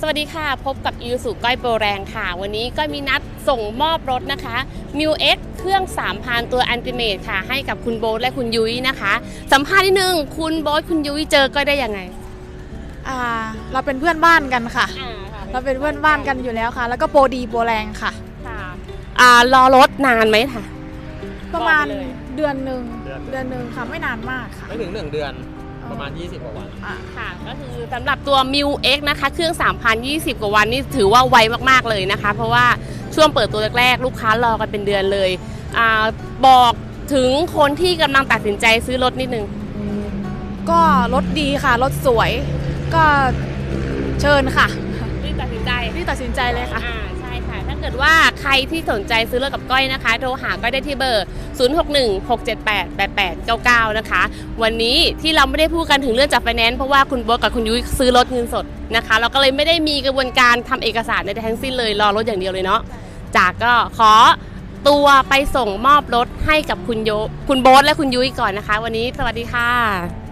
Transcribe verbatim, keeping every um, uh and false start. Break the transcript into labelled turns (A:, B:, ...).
A: สวัสดีค่ะพบกับอิวสุก้อยโปรแรงค่ะวันนี้ก็มีนัดส่งมอบรถนะคะ มิว เอ็กซ์ เครื่อง สามพัน ตัว Ultimate ค่ะให้กับคุณโบ๊ทและคุณยุ้ยนะคะสัมภาษณ์นิดนึงคุณโบ๊ทคุณยุ้ยเจอก็ได้ยังไง
B: อ่าเราเป็นเพื่อนบ้านกันค่ะเราเป็นเพื่อนบ้านกันอยู่แล้วค่ะ แล้วก็โปรดีโปรแรงค่ะ
A: ค่ะอ่ารอรถนานไหมค่ะ
B: ประมาณเดือนหนึ่งเดือนหนึ่งค่ะไม่นานมากค่ะ
C: ไม่ถึงหนึ่งเดือนประมาณยี่สิบกว่าวัน
A: ค่ะก็คือสำหรับตัว มิว เอ็กซ์ นะคะเครื่อง สามพัน ยี่สิบ กว่าวันนี่ถือว่าไวมากๆเลยนะคะเพราะว่าช่วงเปิดตัวแรกๆลูกค้ารอกันเป็นเดือนเลยอ่าบอกถึงคนที่กำลังตัดสินใจซื้อรถนิดนึง
B: ก็รถดีค่ะรถสวยก็เชิญค่ะ
A: รีบตัดสินใจ
B: รีบตัดสินใจเลยค่ะ
A: อ่าใช่ค่ะถ้าเกิดว่าใครที่สนใจซื้อรถกับก้อยนะคะโทรหาก้อยได้ที่เบอร์ศูนย์ หก หนึ่ง หก เจ็ด แปด แปด แปด เก้า เก้านะคะวันนี้ที่เราไม่ได้พูดกันถึงเรื่องจัดไฟแนนซ์เพราะว่าคุณโบ๊ทกับคุณยุ้ยซื้อรถเงินสดนะคะเราก็เลยไม่ได้มีกระบวนการทำเอกสารในทั้งสิ้นเลยรอรถอย่างเดียวเลยเนาะจากก็ขอตัวไปส่งมอบรถให้กับคุณโยคุณโบ๊ทและคุณยุ้ยก่อนนะคะวันนี้สวัสดีค่ะ